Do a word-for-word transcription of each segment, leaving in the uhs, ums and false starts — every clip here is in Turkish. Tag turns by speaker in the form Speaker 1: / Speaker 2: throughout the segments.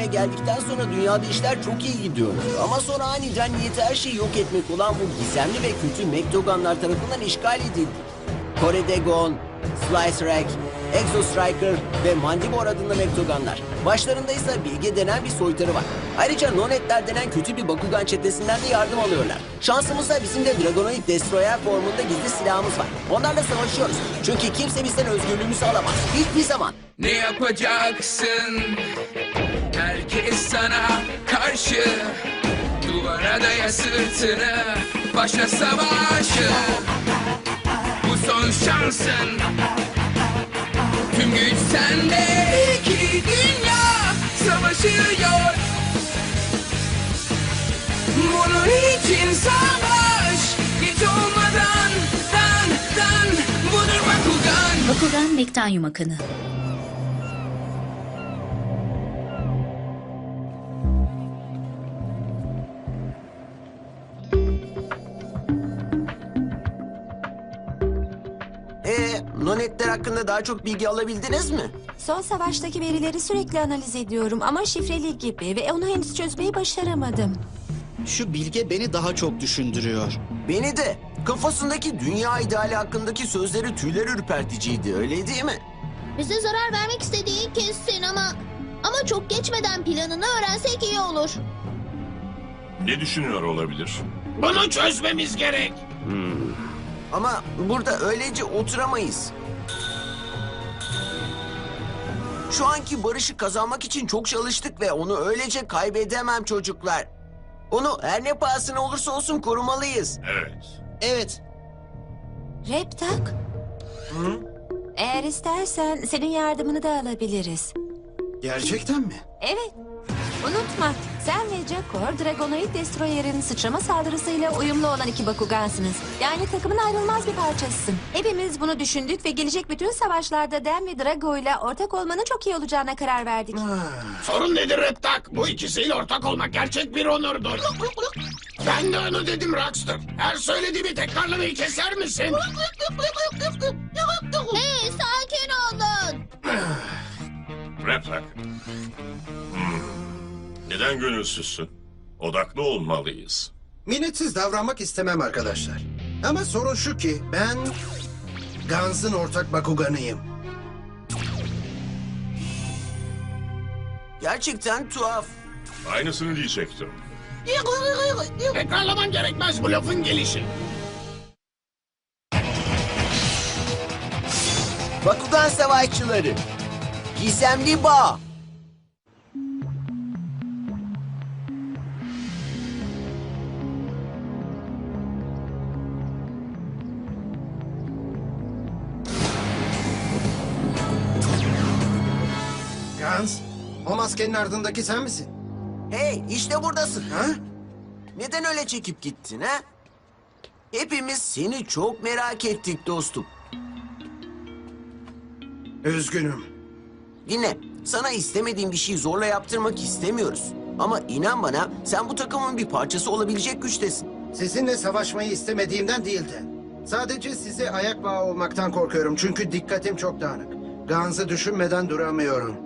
Speaker 1: geldikten sonra dünyada işler çok iyi gidiyordu. Ama sonra aniden niyeti her şeyi yok etmek olan bu gizemli ve kötü Mektoganlar tarafından işgal edildi. Koredegon, Slice-Rack, Exo-Striker ve Mandibor adında Mektoganlar. Başlarında ise Bilge denen bir soytarı var. Ayrıca Nonetler denen kötü bir Bakugan çetesinden de yardım alıyorlar. Şansımızsa bizim de Dragonoid Destroyer formunda gizli silahımız var. Onlarla savaşıyoruz. Çünkü kimse bizden özgürlüğümüzü alamaz. Hiçbir zaman.
Speaker 2: Ne yapacaksın? Herkes sana karşı. Duvara daya sırtını. Başla savaşı. Bu son şansın. Tüm güç sende. İki dünya savaşıyor. Bunun için savaş. Geç olmadan dan dan. Budur Bakugan.
Speaker 3: Bakugan Mektanyum Akını.
Speaker 1: Ee, Nonetler hakkında daha çok bilgi alabildiniz mi?
Speaker 4: Son savaştaki verileri sürekli analiz ediyorum ama şifreli gibi ve onu henüz çözmeyi başaramadım.
Speaker 5: Şu bilge beni daha çok düşündürüyor.
Speaker 1: Beni de. Kafasındaki dünya ideali hakkındaki sözleri tüyler ürperticiydi, öyle değil mi?
Speaker 6: Bize zarar vermek istediği kesin ama... Ama çok geçmeden planını öğrensek iyi olur.
Speaker 7: Ne düşünüyor olabilir?
Speaker 2: Bunu çözmemiz gerek.
Speaker 1: Ama burada öylece oturamayız. Şu anki barışı kazanmak için çok çalıştık ve onu öylece kaybedemem çocuklar. Onu her ne pahasına olursa olsun korumalıyız.
Speaker 7: Evet.
Speaker 5: Evet,
Speaker 4: Reptak. Eğer istersen senin yardımını da alabiliriz.
Speaker 5: gerçekten mi?
Speaker 4: Evet. Unutma, sen ve Jakor, Dragonoid Destroyer'in sıçrama saldırısıyla uyumlu olan iki Bakugansınız. Yani takımın ayrılmaz bir parçasısın. Hepimiz bunu düşündük ve gelecek bütün savaşlarda Dan ve Drago ile ortak olmanın çok iyi olacağına karar verdik.
Speaker 2: Sorun nedir Reptak? Bu ikisiyle ortak olmak gerçek bir onurdur. Ben de onu dedim Rockstar. Her söylediğimi tekrarlamayı keser misin?
Speaker 6: Hey, sakin olun.
Speaker 7: Reptak. Hmm. Neden gönülsüzsün? Odaklı olmalıyız.
Speaker 8: Minnetsiz davranmak istemem arkadaşlar. Ama sorun şu ki ben Guns'ın ortak Bakuganıyım.
Speaker 1: Gerçekten tuhaf.
Speaker 7: Aynısını diyecektim.
Speaker 2: Tekrarlaman gerekmez bu lafın gelişi.
Speaker 1: Bakugan Savaşçıları. Gizemli Bağ.
Speaker 8: Guns, o maskenin ardındaki sen misin?
Speaker 1: Hey, işte buradasın.
Speaker 8: Ha?
Speaker 1: Neden öyle çekip gittin ha? Hepimiz seni çok merak ettik dostum.
Speaker 8: Üzgünüm.
Speaker 1: Dinle, sana istemediğim bir şeyi zorla yaptırmak istemiyoruz. Ama inan bana, sen bu takımın bir parçası olabilecek güçtesin.
Speaker 8: Sizinle savaşmayı istemediğimden değildi. Sadece size ayak bağı olmaktan korkuyorum çünkü dikkatim çok dağınık. Guns'ı düşünmeden duramıyorum.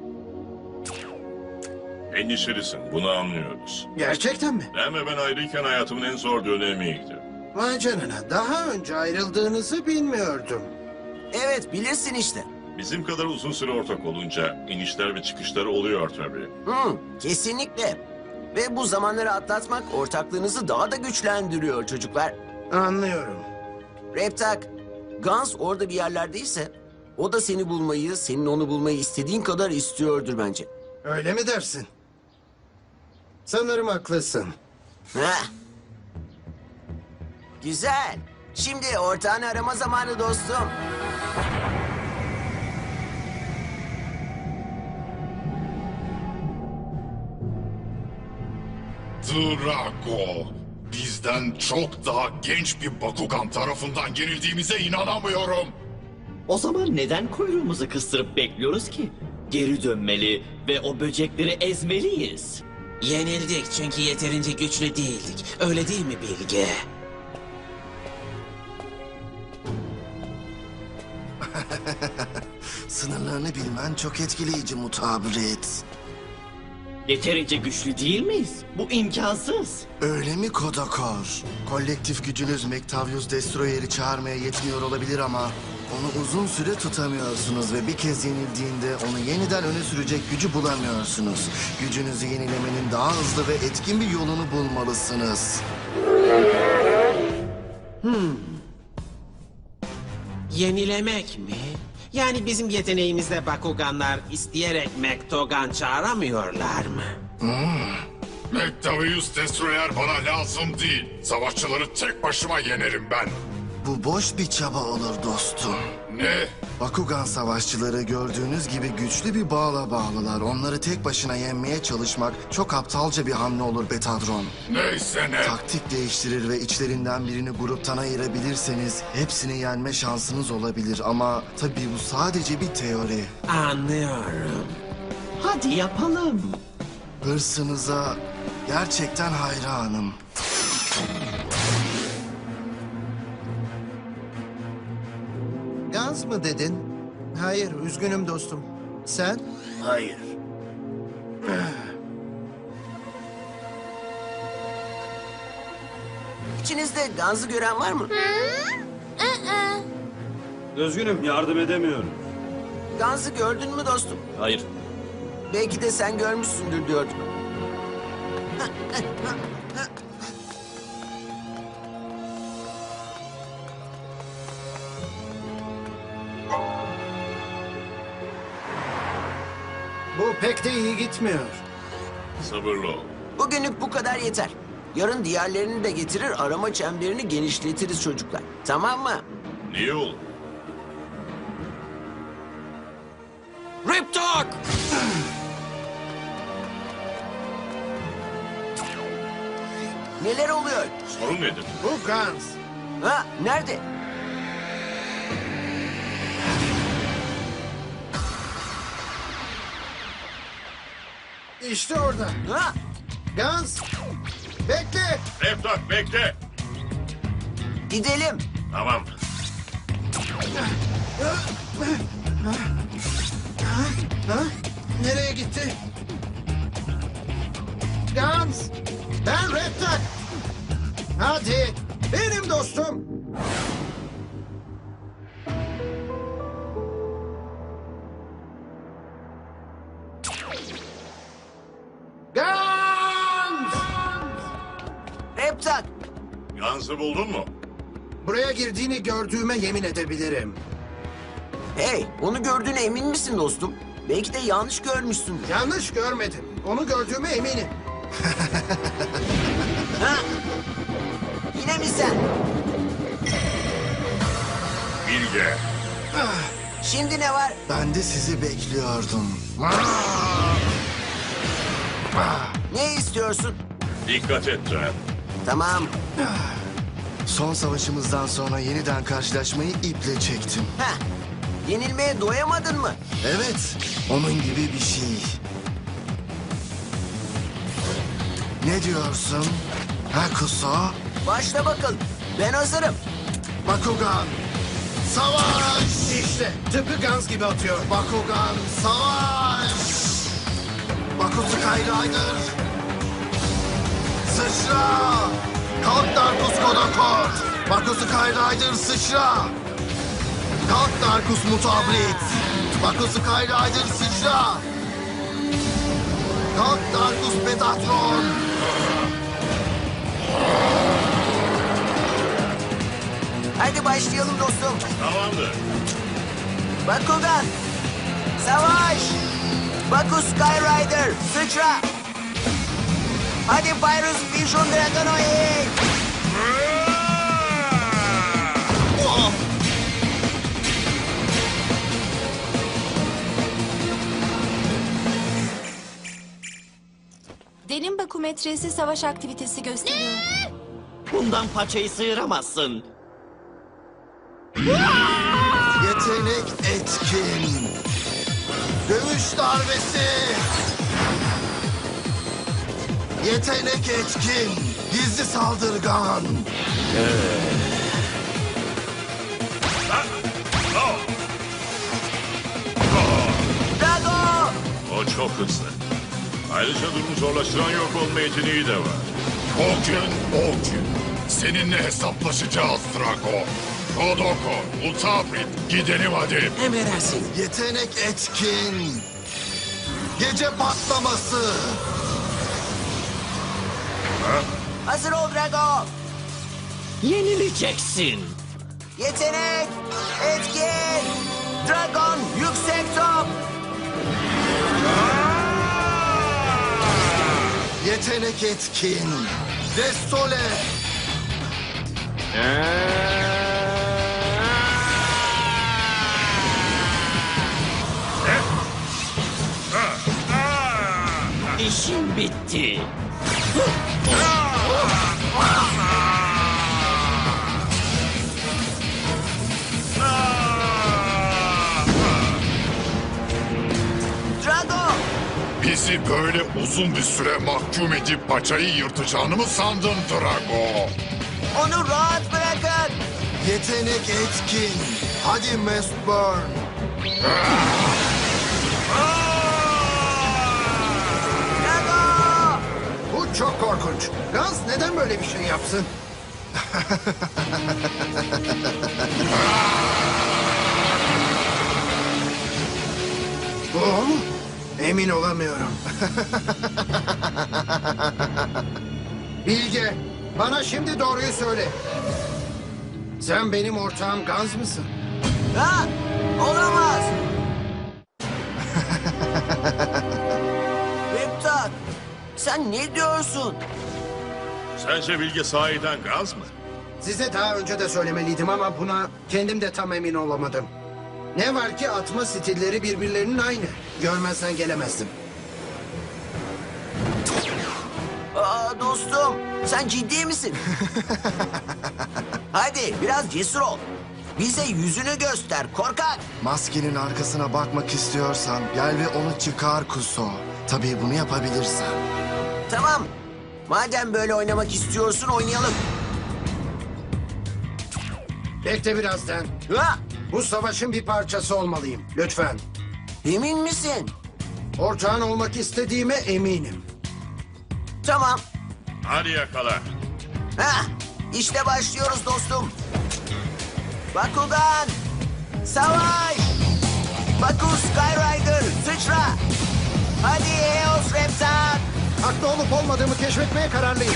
Speaker 7: Endişelisin, bunu anlıyoruz.
Speaker 8: Gerçekten mi?
Speaker 7: Ben ve ben ayrıyken hayatımın en zor dönemiydi.
Speaker 8: Vay canına, daha önce ayrıldığınızı bilmiyordum.
Speaker 1: Evet, bilirsin işte.
Speaker 7: Bizim kadar uzun süre ortak olunca inişler ve çıkışlar oluyor tabii.
Speaker 1: Hı, kesinlikle. Ve bu zamanları atlatmak ortaklığınızı daha da güçlendiriyor çocuklar.
Speaker 8: Anlıyorum.
Speaker 1: Reptak, Guns orada bir yerlerdeyse... ...o da seni bulmayı, senin onu bulmayı istediğin kadar istiyordur bence.
Speaker 8: Öyle mi dersin? Sanırım haklısın.
Speaker 1: Heh. Güzel. Şimdi ortağını arama zamanı dostum.
Speaker 9: Drago, bizden çok daha genç bir Bakugan tarafından yenildiğimize inanamıyorum.
Speaker 10: O zaman neden kuyruğumuzu kıstırıp bekliyoruz ki? Geri dönmeli ve o böcekleri ezmeliyiz.
Speaker 11: Yenildik çünkü yeterince güçlü değildik. Öyle değil mi Bilge?
Speaker 12: Sınırlarını bilmen çok etkileyici mutabret.
Speaker 10: Yeterince güçlü değil miyiz? Bu imkansız.
Speaker 3: Öyle mi Kodakor? Kolektif gücünüz Mektavius Destroyer'i çağırmaya yetmiyor olabilir ama onu uzun süre tutamıyorsunuz ve bir kez yenildiğinde onu yeniden öne sürecek gücü bulamıyorsunuz. Gücünüzü yenilemenin daha hızlı ve etkin bir yolunu bulmalısınız.
Speaker 11: Yenilemek mi? Yani bizim yeteneğimizde Bakuganlar isteyerek Mektogan çağıramıyorlar mı?
Speaker 9: Mektavius Destroyer bana lazım değil. Savaşçıları tek başıma yenerim ben.
Speaker 3: Bu boş bir çaba olur dostum.
Speaker 9: Ne?
Speaker 3: Bakugan savaşçıları gördüğünüz gibi güçlü bir bağla bağlılar. Onları tek başına yenmeye çalışmak çok aptalca bir hamle olur Betadron.
Speaker 9: Neyse ne?
Speaker 3: Taktik değiştirir ve içlerinden birini gruptan ayırabilirseniz hepsini yenme şansınız olabilir. Ama tabii bu sadece bir teori.
Speaker 11: Anlıyorum.
Speaker 10: Hadi yapalım.
Speaker 3: Hırsınıza gerçekten hayranım.
Speaker 8: Gans mı dedin? Hayır, üzgünüm dostum. Sen?
Speaker 1: Hayır. İçinizde Gans'ı gören var mı?
Speaker 12: Üzgünüm, yardım edemiyorum.
Speaker 1: Gans'ı gördün mü dostum?
Speaker 10: Hayır.
Speaker 1: Belki de sen görmüşsündür diyordum.
Speaker 8: Bu pek de iyi gitmiyor.
Speaker 7: Sabırlı ol.
Speaker 1: Bugünlük bu kadar yeter. Yarın diğerlerini de getirir, arama çemberini genişletiriz çocuklar. Tamam mı?
Speaker 7: Niye olur?
Speaker 11: Rip Talk!
Speaker 1: Neler oluyor?
Speaker 7: Sorun nedir?
Speaker 8: Bu Gans.
Speaker 1: Ha, nerede?
Speaker 8: İşte orada.
Speaker 1: Ha?
Speaker 8: Gans. Bekle.
Speaker 7: Reptak bekle.
Speaker 1: Gidelim.
Speaker 7: Tamam.
Speaker 8: Ha? Nereye gitti? Gans. Ben Reptak. Hadi. Benim dostum. Gans.
Speaker 1: Reptak.
Speaker 7: Gans'ı buldun mu?
Speaker 8: Buraya girdiğini gördüğüme yemin edebilirim.
Speaker 1: Hey, onu gördüğüne emin misin dostum? Belki de yanlış görmüşsündür.
Speaker 8: Yanlış görmedim. Onu gördüğüme eminim.
Speaker 1: Ha? Yine mi sen?
Speaker 7: Bilge.
Speaker 1: Şimdi ne var?
Speaker 3: Ben de sizi bekliyordum.
Speaker 1: Ne istiyorsun?
Speaker 7: Dikkat et Tren.
Speaker 1: Tamam.
Speaker 3: Son savaşımızdan sonra yeniden karşılaşmayı iple çektim.
Speaker 1: Ha. Yenilmeye doyamadın mı?
Speaker 3: Evet, onun gibi bir şey. Ne diyorsun? Ha Kuso?
Speaker 1: Başla bakalım. Ben hazırım.
Speaker 3: Bakugan, savaş!
Speaker 8: İşte tıpkı Gans gibi atıyor.
Speaker 3: Bakugan, savaş! Baku Skyrider! Sıçra! Kalk Darkus Kodakor! Baku Skyrider sıçra! Kalk Darkus Mutabrit! Baku Skyrider sıçra! Kalk Darkus Betatron!
Speaker 1: Hadi başlayalım dostum.
Speaker 7: Tamamdır.
Speaker 1: Bakugan. Savaş. Baku Skyrider. Sıçra. Hadi Pyrus Vision Dragonoid.
Speaker 4: Derin bakometresi savaş aktivitesi gösteriyor.
Speaker 10: Bundan paçayı sıyıramazsın.
Speaker 3: Yetenek etkin! Dövüş darbesi! Yetenek etkin! Gizli saldırgan!
Speaker 1: Drago.
Speaker 7: O çok hızlı. Ayrıca durumu zorlaştıran yok olma yeteneği de var.
Speaker 9: O gün o gün. Seninle hesaplaşacağız Drago. Kodoko, Ultabrit, gidelim hadi.
Speaker 11: Emredersin.
Speaker 3: Yetenek etkin. Gece patlaması.
Speaker 1: Hazır ol Drago.
Speaker 10: Yenileceksin.
Speaker 1: Yetenek, etkin, Dragon, yüksek top.
Speaker 3: Yetenek etkin. Destole.
Speaker 10: İşin bitti.
Speaker 1: Drago,
Speaker 9: Bizi böyle uzun bir süre mahkum edip paçayı yırtacağını mı sandın Drago?
Speaker 1: onu rahat bırakın.
Speaker 3: Yetenek etkin. Hadi Mistburn.
Speaker 1: Drago,
Speaker 8: Bu çok korkunç. Gans neden böyle bir şey yapsın? Bu o mu? Emin olamıyorum. Bilge, bana şimdi doğruyu söyle. Sen benim ortağım Gans mısın?
Speaker 1: ha, olamaz. Riptak, sen ne diyorsun?
Speaker 7: Sence Bilge sahiden gaz mı?
Speaker 8: Size daha önce de söylemeliydim ama buna kendim de tam emin olamadım. Ne var ki atma stilleri birbirlerinin aynı. Görmezsen gelemezdim.
Speaker 1: Aa, dostum, sen ciddi misin? Hadi biraz cesur ol. Bize yüzünü göster korkak.
Speaker 3: Maskenin arkasına bakmak istiyorsan gel ve onu çıkar Kuso. Tabii bunu yapabilirsen.
Speaker 1: Tamam. Madem böyle oynamak istiyorsun oynayalım.
Speaker 8: Bekle birazdan.
Speaker 1: Ha,
Speaker 8: Bu savaşın bir parçası olmalıyım. Lütfen.
Speaker 1: emin misin?
Speaker 8: Ortağın olmak istediğime eminim.
Speaker 1: Tamam.
Speaker 7: Hadi yakala.
Speaker 1: Ha, işte başlıyoruz dostum. Bakugan, savaş. Baku Skyrider, sıçra. Hadi Eos Reptak.
Speaker 8: Haklı olup olmadığımı keşfetmeye kararlıyım.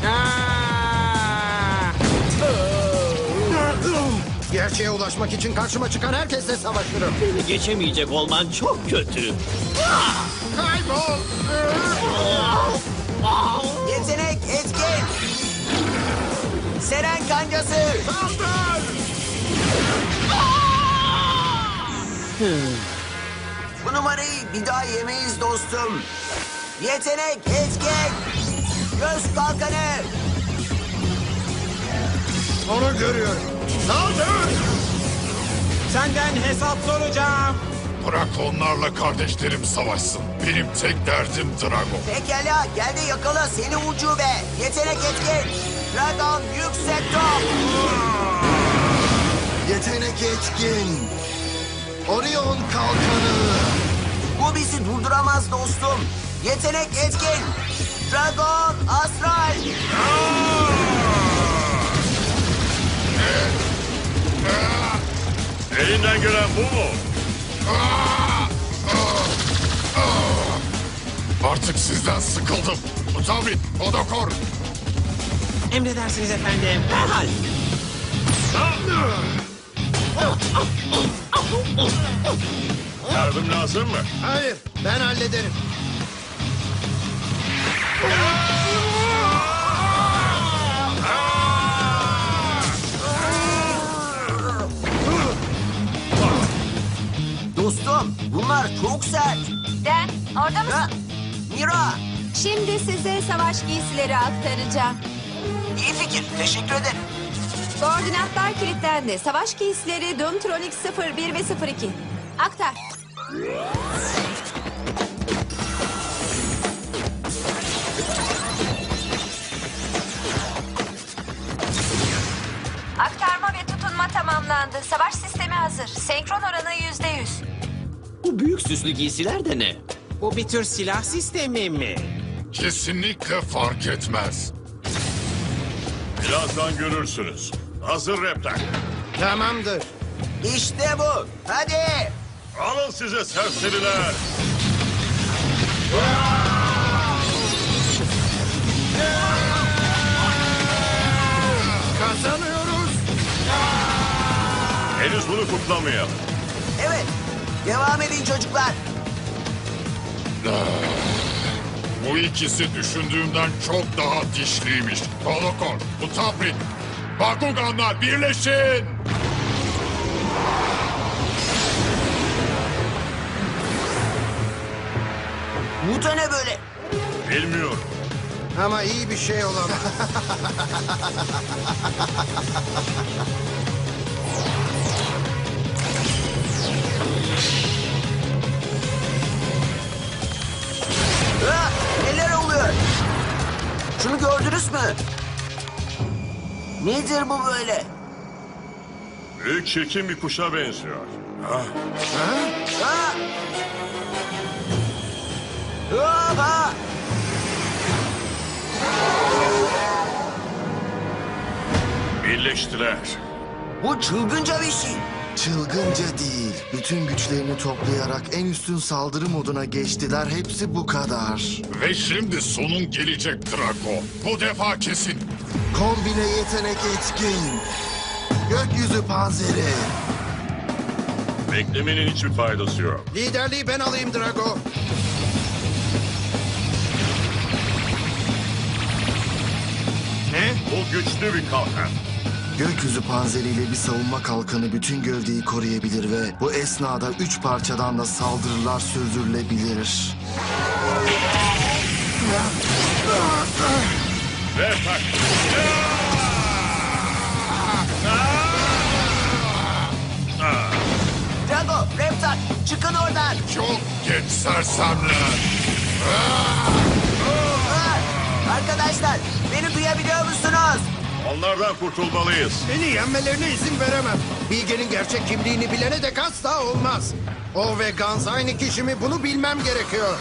Speaker 8: Gerçeğe ulaşmak için karşıma çıkan herkesle savaşırım.
Speaker 10: Beni geçemeyecek olman çok kötü.
Speaker 8: Kaybol!
Speaker 1: Yetenek etkin. Seren kancası. Bu numarayı bir daha yemeyiz dostum. Yetenek etkin. Göz kalkanı.
Speaker 8: Onu görüyorum.
Speaker 11: Senden hesap soracağım.
Speaker 9: Bırak onlarla kardeşlerim savaşsın. Benim tek derdim Drago.
Speaker 1: Pekala gel de yakala seni ucube. Yetenek etkin. Dragon yüksek top.
Speaker 3: Yetenek etkin. Orion kalkanı.
Speaker 1: Bu bizi durduramaz dostum. Yetenek etkin. Dragon astral.
Speaker 7: Elinden gelen bu mu?
Speaker 9: Artık sizden sıkıldım. Ultabrit, Kodokor.
Speaker 11: Emredersiniz efendim. Herhal.
Speaker 7: Yardım lazım mı?
Speaker 8: Hayır, ben hallederim.
Speaker 1: Dostum bunlar çok sert.
Speaker 4: Den, orada mısın?
Speaker 1: Ha, Mira.
Speaker 4: Şimdi size savaş giysileri aktaracağım.
Speaker 1: İyi fikir. Teşekkür ederim.
Speaker 4: Koordinatlar kilitlendi. Savaş giysileri Doomtronic sıfır bir ve sıfır iki. Aktar. Aktarma ve tutunma tamamlandı. Savaş sistemi hazır. Senkron oranı yüzde yüz.
Speaker 10: Bu büyük süslü giysiler de ne?
Speaker 11: Bu bir tür silah sistemi mi?
Speaker 9: Kesinlikle fark etmez.
Speaker 7: Birazdan görürsünüz. Hazır Reptak.
Speaker 8: Tamamdır.
Speaker 1: İşte bu. Hadi.
Speaker 7: Alın size serseriler.
Speaker 8: Kazanıyoruz.
Speaker 7: Henüz bunu kutlamayalım.
Speaker 1: Evet. Devam edin çocuklar.
Speaker 9: Bu ikisi düşündüğümden çok daha dişliymiş. Holokor, Utaprit, Bakuganlar birleşin!
Speaker 1: Bu da ne böyle?
Speaker 7: Bilmiyorum.
Speaker 8: Ama iyi bir şey olamaz.
Speaker 1: Ha, neler oluyor? Şunu gördünüz mü? Nedir bu böyle?
Speaker 7: Büyük çirkin bir kuşa benziyor. Ah,
Speaker 1: Ha? Aha!
Speaker 7: birleştiler.
Speaker 1: Bu çılgınca bir şey.
Speaker 3: Çılgınca değil. Bütün güçlerini toplayarak en üstün saldırı moduna geçtiler. Hepsi bu kadar.
Speaker 9: Ve şimdi sonun gelecek Drago. Bu defa kesin.
Speaker 3: Kombine yetenek etkin. Gökyüzü panzeri.
Speaker 7: Beklemenin hiçbir faydası yok.
Speaker 8: Liderliği ben alayım Drago.
Speaker 7: Ne? Bu güçlü bir kalkan.
Speaker 3: Gökyüzü panzeriyle bir savunma kalkanı bütün gövdeyi koruyabilir ve bu esnada üç parçadan da saldırılar sürdürülebilir.
Speaker 7: Reptak.
Speaker 1: Drago, Reptak, çıkın oradan.
Speaker 9: Çok geç sersemler.
Speaker 1: Ha! Arkadaşlar, beni duyabiliyor musunuz?
Speaker 7: Onlardan kurtulmalıyız.
Speaker 8: Beni yenmelerine izin veremem. Bilge'nin gerçek kimliğini bilene dek asla olmaz. O ve Gans aynı kişi mi bunu bilmem gerekiyor.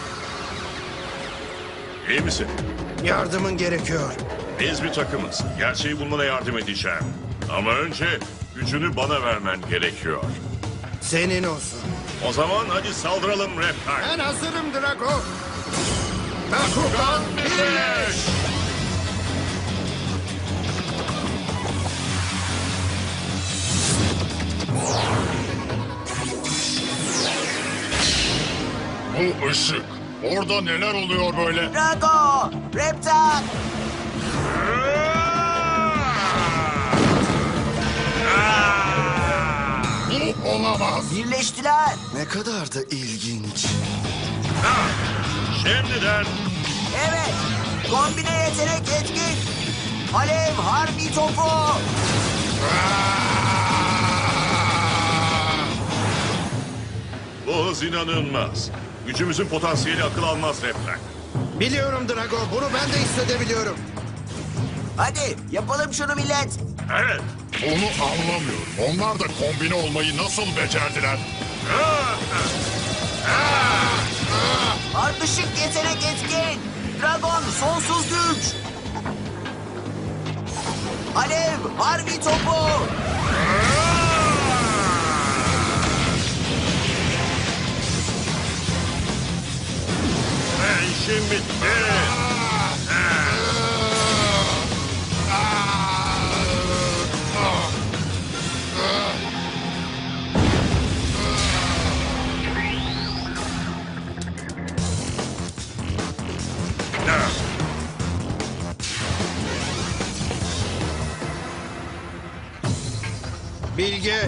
Speaker 7: İyi misin?
Speaker 8: Yardımın gerekiyor.
Speaker 7: Biz bir takımız. Gerçeği bulmana yardım edeceğim. Ama önce gücünü bana vermen gerekiyor.
Speaker 8: Senin olsun.
Speaker 7: O zaman hadi saldıralım Reptak.
Speaker 8: Ben hazırım Drago. Bakugan birleş!
Speaker 9: Bu ışık. Orada neler oluyor böyle?
Speaker 1: Drago, Reptak.
Speaker 9: Bu olamaz.
Speaker 1: Birleştiler.
Speaker 3: Ne kadar da ilginç.
Speaker 7: Şimdiden
Speaker 1: Evet. Kombine yetenek etkin. Alev harbi topu.
Speaker 7: bu hız inanılmaz. Gücümüzün potansiyeli akıl almaz Reptak.
Speaker 8: Biliyorum Drago, bunu ben de hissedebiliyorum.
Speaker 1: Hadi yapalım şunu millet.
Speaker 7: Evet.
Speaker 9: Onu anlamıyorum. Onlar da kombine olmayı nasıl becerdiler?
Speaker 1: Ardışık yetenek etkin. Dragon sonsuz güç. Alev harbi topu.
Speaker 7: Ve işim bitti.
Speaker 8: Bilge,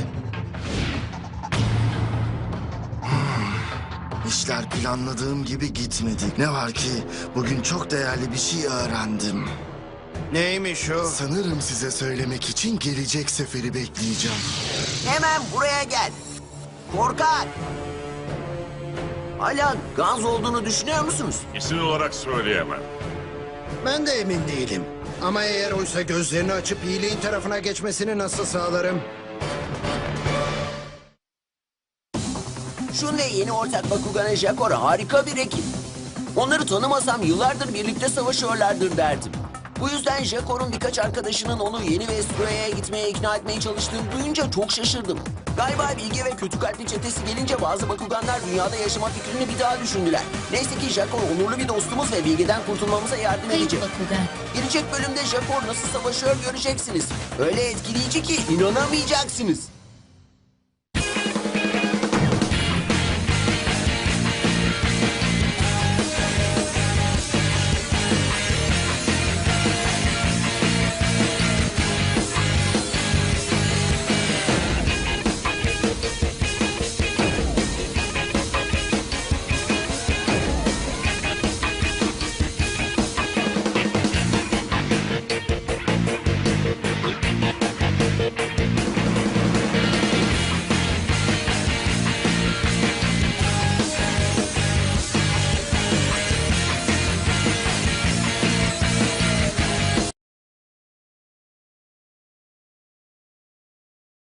Speaker 3: İşler planladığım gibi gitmedi. Ne var ki bugün çok değerli bir şey öğrendim.
Speaker 8: neymiş o?
Speaker 3: Sanırım size söylemek için gelecek seferi bekleyeceğim.
Speaker 1: Hemen buraya gel. Korkak. Hala Gans olduğunu düşünüyor musunuz?
Speaker 7: İsim olarak söyleyemem.
Speaker 8: Ben de emin değilim. Ama eğer oysa gözlerini açıp iyiliğin tarafına geçmesini nasıl sağlarım?
Speaker 1: Jun ve yeni ortak Bakugan Jakor harika bir ekip. Onları tanımasam yıllardır birlikte savaşıyorlardır derdim. Bu yüzden Jakor'un birkaç arkadaşının onu yeni Vestroya'ya gitmeye ikna etmeye çalıştığını duyunca çok şaşırdım. Galiba Bilge ve kötü kalpli çetesi gelince bazı Bakuganlar dünyada yaşama fikrini bir daha düşündüler. Neyse ki Jakor onurlu bir dostumuz ve Bilge'den kurtulmamıza yardım
Speaker 13: Kayıp
Speaker 1: edecek.
Speaker 13: Bakugan.
Speaker 1: Gelecek bölümde Jakor nasıl savaşıyor göreceksiniz. Öyle etkileyici ki inanamayacaksınız.